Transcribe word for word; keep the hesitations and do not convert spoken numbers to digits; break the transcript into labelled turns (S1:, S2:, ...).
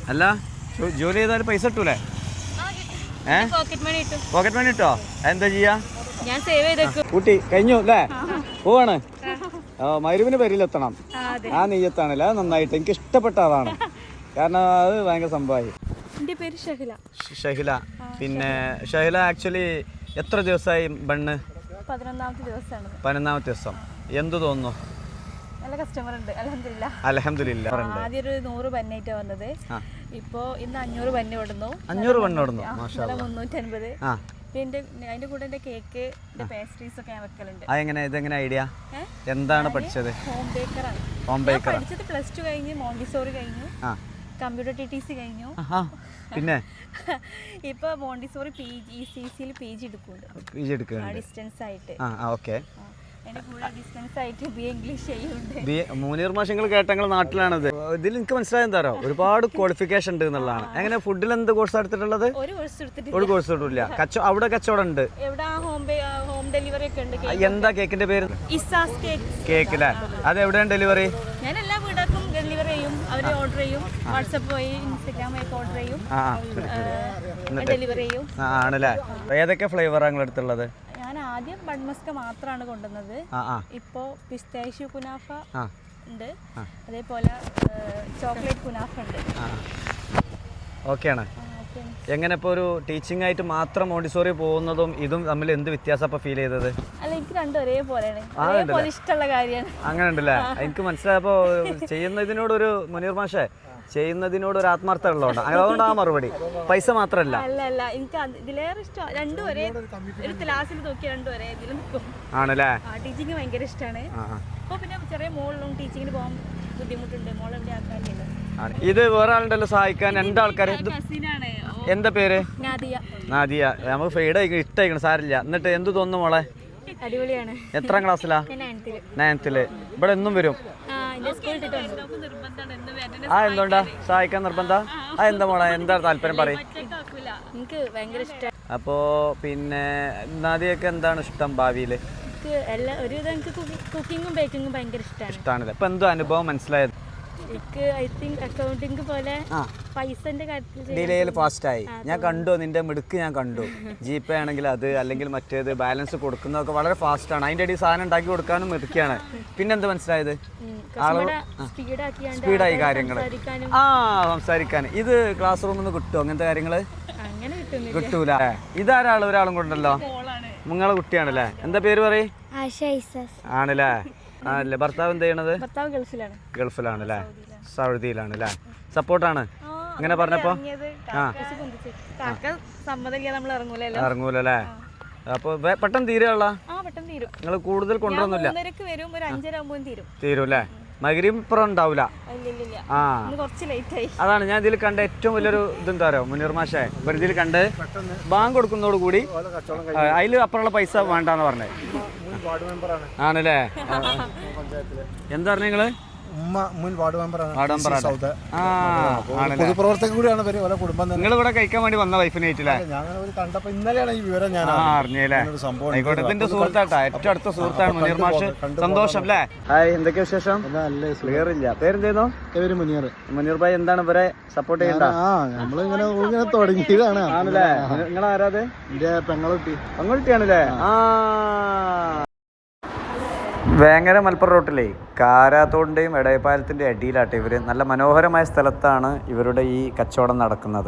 S1: അല്ല ജോലി ചെയ്താൽ പൈസ കിട്ടൂലേ? ഏ പോക്കറ്റ് മണി കിട്ടോ? എന്താ ചെയ്യാ? കൂട്ടി കഴിഞ്ഞു അല്ലേ? പോവാണ്. ഓ മരുവിന് പേരിലെത്തണം. ആ നെയ്യത്താണല്ലേ? അത് നന്നായിട്ട് എനിക്ക് ഇഷ്ടപ്പെട്ട അതാണ്. കാരണം അത് ഭയങ്കര സംഭവമായി.
S2: എൻ്റെ പേര് ഷഹില.
S1: ഷഹില. പിന്നെ ഷഹില ആക്ച്വലി എത്ര ദിവസമായി ബണ്ണ്?
S2: പതിനൊന്നാമത്തെ ദിവസമാണ്.
S1: പതിനൊന്നാമത്തെ ദിവസം. എന്ത് തോന്നുന്നു?
S2: നല്ല കസ്റ്റമർ ഉണ്ട് അൽഹംദുലില്ലാ.
S1: അൽഹംദുലില്ലാ.
S2: ആദ്യം ഒരു നൂറ് ബന്നായിട്ടാണ് വന്നത്. ഇപ്പോ ഇന്ന് അഞ്ഞൂറ് ബന്ന് കൊടുന്നു.
S1: അഞ്ഞൂറ് ബണ്ണ് കൊടുന്നു. മാഷാ അല്ലാഹ്.
S2: മുന്നൂറ്റി അൻപത്. പിന്നെ അതിന്റെ കൂടെ എന്റെ കേക്ക് പേസ്ട്രീസ് ഒക്കെ ഞാൻ വെക്കലുണ്ട്.
S1: അതെങ്ങനെ ഇതെങ്ങനെ ഐഡിയ? എന്താണ് പഠിച്ചത്?
S2: ഹോം ബേക്കറാണ്.
S1: ഹോം ബേക്കർ
S2: പഠിച്ചത് പ്ലസ് ടു കഴിഞ്ഞ് മോണ്ടിസോറി കഴിഞ്ഞു, കമ്പ്യൂട്ടർ ടി ടി സി കഴിഞ്ഞു.
S1: പിന്നെ
S2: ഇപ്പൊ മോണ്ടിസോറി പി ജി സി സിയിൽ പി ജി എടുക്കുന്നുണ്ട്.
S1: പി ജി എടുക്കുന്നുണ്ട്
S2: ഡിസ്റ്റൻസ് ആയിട്ട്.
S1: ഓക്കെ.
S2: മൂന്നീർ
S1: മാഷങ്ങൾ കേട്ടങ്ങൾ നാട്ടിലാണത്. ഇതിൽ എനിക്ക് മനസ്സിലായ എന്താ പറയുക, ഒരുപാട് ക്വാളിഫിക്കേഷൻ ഉണ്ട് എന്നുള്ളതാണ്. എങ്ങനെ ഫുഡിൽ എന്ത് കോഴ്സ് എടുത്തിട്ടുള്ളത്? ഒരു കോഴ്സ് എടുത്തിട്ടില്ല. കച്ചവടം അവിടെ കച്ചവടം ഉണ്ട്. എന്താ കേക്കിന്റെ പേര്? കേക്ക് അല്ലേ? അത് എവിടെയാണ് ഡെലിവറി?
S2: ഞാൻ എല്ലാ വീടും ഡെലിവറി ചെയ്യും. അവര് ഓർഡർ ചെയ്യും. വാട്സാപ്പ് വഴി ഇൻസ്റ്റാഗ്രാം വഴി ഓർഡർ ചെയ്യും, ഡെലിവറി ചെയ്യും.
S1: ആണല്ലേ? ഏതൊക്കെ ഫ്ലേവറാണ് നിങ്ങൾ എടുത്തുള്ളത്?
S2: ഞാൻ ആദ്യം ബൺമസ്ക മാത്രമാണ് കൊണ്ടുവന്നത്. ഇപ്പോ പിസ്താഷ്യൂ കുനാഫ ഉണ്ട്, അതേപോലെ ചോക്ലേറ്റ് കുനാഫ ഉണ്ട്.
S1: ഓക്കെയാണ്. എങ്ങനെ ഇപ്പോൾ ഒരു ടീച്ചിങ് ആയിട്ട് മാത്രം മോണ്ടിസോറി പോകുന്നതും ഇതും തമ്മിൽ എന്ത് വ്യത്യാസം ഇപ്പൊ ഫീൽ ചെയ്തത്?
S2: അല്ല, എനിക്ക് രണ്ടും ഒരേപോലെയാണ്. ഇഷ്ടമുള്ള കാര്യമാണ്.
S1: അങ്ങനെ ഉണ്ടല്ലേ? എനിക്ക് മനസ്സിലായപ്പോ ചെയ്യുന്നതിനോടൊരു മുനീർ മാഷേ ചെയ്യുന്നതിനോട് ഒരു ആത്മാർത്ഥ ഉള്ളതുകൊണ്ട് അതുകൊണ്ട് ആ മറുപടി പൈസ മാത്രമല്ല.
S2: അല്ല അല്ല എനിക്ക് ഇതിലേറെ ഇഷ്ടം രണ്ടും ഒരേ ഒരു ക്ലാസ്സിൽ നോക്കി രണ്ടും ഒരേ ഇതിൽ നിൽക്കും.
S1: ആണല്ലേ?
S2: ടീച്ചിങ് ഭയങ്കര ഇഷ്ടമാണ്. അപ്പോൾ പിന്നെ ചെറിയ മോളിലും ടീച്ചിങ്ങിന് പോകാൻ ബുദ്ധിമുട്ടുണ്ട്. മോളെവിടെ ആക്കാനില്ല.
S1: ഇത് വേറെ ആളുണ്ടല്ലോ സഹായിക്കാൻ, രണ്ടാൾക്കാർ. എന്താ പേര്?
S2: നാദിയ.
S1: നാദിയ. നമുക്ക് ഫെയ്ഡ് ഇഷ്ടമായിക്കണം, സാരില്ല. എന്നിട്ട് എന്ത് തോന്നുന്നു മോളെ?
S2: അടിപൊളിയാണ്.
S1: എത്രാം ക്ലാസ്സിലാ? നയൻത്തില്. ഇവിടെ എന്നും വരും. ആ എന്തുകൊണ്ടാ സഹായിക്കാൻ നിർബന്ധ? ആ എന്താ മോളെ എന്താ താല്പര്യം പറയും?
S2: എനിക്ക് ഭയങ്കര ഇഷ്ടം.
S1: അപ്പോ പിന്നെ നാദിയൊക്കെ എന്താണ് ഇഷ്ടം ഭാവിയില്?
S2: കുക്കിങ്ങും ബേക്കിങ്ങും ഭയങ്കര ഇഷ്ടമാണ്.
S1: ഇഷ്ടമാണല്ലേ? ഇപ്പൊ എന്തോ അനുഭവം മനസ്സിലായത്?
S2: എനിക്ക് ഐ തിങ്ക് അക്കൗണ്ടിങ് പോലെ പൈസന്റെ കാര്യത്തിൽ
S1: ഡിലേയിൽ ഫാസ്റ്റ് ആയി. ഞാൻ കണ്ടു നിന്റെ മിടുക്ക്, ഞാൻ കണ്ടു. ജി പേ ആണെങ്കിൽ അത്, അല്ലെങ്കിൽ മറ്റേത് ബാലൻസ് കൊടുക്കുന്നതൊക്കെ വളരെ ഫാസ്റ്റ് ആണ്. അതിന്റെ ഇടയിൽ സാധനം ഉണ്ടാക്കി കൊടുക്കാനും മിടുക്കിയാണ്. പിന്നെന്ത് മനസ്സിലായത്? സ്പീഡായി കാര്യങ്ങൾ. ആ സംസാരിക്കാൻ. ഇത് ക്ലാസ് റൂമിൽ നിന്ന് കിട്ടുമോ അങ്ങനത്തെ കാര്യങ്ങള്? കിട്ടൂല. ഇതാരാള്? ഒരാളും കൊണ്ടല്ലോ. നിങ്ങളെ കുട്ടിയാണല്ലേ? എന്താ പേര് പറയും? ആണല്ലേ? ആണല്ലേ? ഭർത്താവ് എന്ത് ചെയ്യണത്?
S2: ഗൾഫിലാണ്.
S1: ഗൾഫിലാണല്ലേ? സൗദിയിലാണല്ലേ? സപ്പോർട്ടാണ് ഇങ്ങനെ പറഞ്ഞപ്പോ? ഇറങ്ങൂലല്ലേ? അപ്പൊ പെട്ടെന്ന് തീരുള്ള നിങ്ങൾ കൂടുതൽ കൊണ്ടുവന്നില്ല? തീരൂല്ലേ? മഗ്‌രിബ് ഇപ്പുറം ഉണ്ടാവൂല. ആ അതാണ് ഞാൻ ഇതിൽ കണ്ട ഏറ്റവും വലിയൊരു ഇതെന്താ പറയുക മുനീർ മാഷേ, ഇതിൽ കണ്ട് ബാങ്ക് കൊടുക്കുന്നതോട് കൂടി അതിൽ അപ്പുറമുള്ള പൈസ വേണ്ടെന്ന് പറഞ്ഞത് ആണല്ലേ? എന്താ പറഞ്ഞ നിങ്ങള്? നിങ്ങൾ ഇവിടെ കഴിക്കാൻ വേണ്ടി വന്ന വൈഫിനായിട്ടില്ലേ? ആയിക്കോട്ടെ. ഇതിന്റെ സുഹൃത്താട്ടാ, ഏറ്റവും അടുത്ത സുഹൃത്താണ് മുനീർ മാഷ്. സന്തോഷം അല്ലേ? ഹായ്, എന്തൊക്കെ വിശേഷം? ക്ലിയർ ഇല്ല. പേരെന്തേന്നോ? പേര് മുനീർ. മുനീർ ഭായി എന്താണ് ഇവരെ സപ്പോർട്ട് ചെയ്യണ്ട?
S3: തുടങ്ങിയതാണ്.
S1: ആണല്ലേ? നിങ്ങൾ ആരാത്?
S3: എന്റെ പെങ്ങളുട്ടി.
S1: പെങ്ങളുട്ടിയാണല്ലേ? ആ വേങ്ങര മലപ്പുറം റോട്ടിലെ കാരാത്തോടിൻ്റെയും എടയപ്പാലത്തിൻ്റെ അടിയിലാട്ടെ ഇവർ. നല്ല മനോഹരമായ സ്ഥലത്താണ് ഇവരുടെ ഈ കച്ചവടം നടക്കുന്നത്.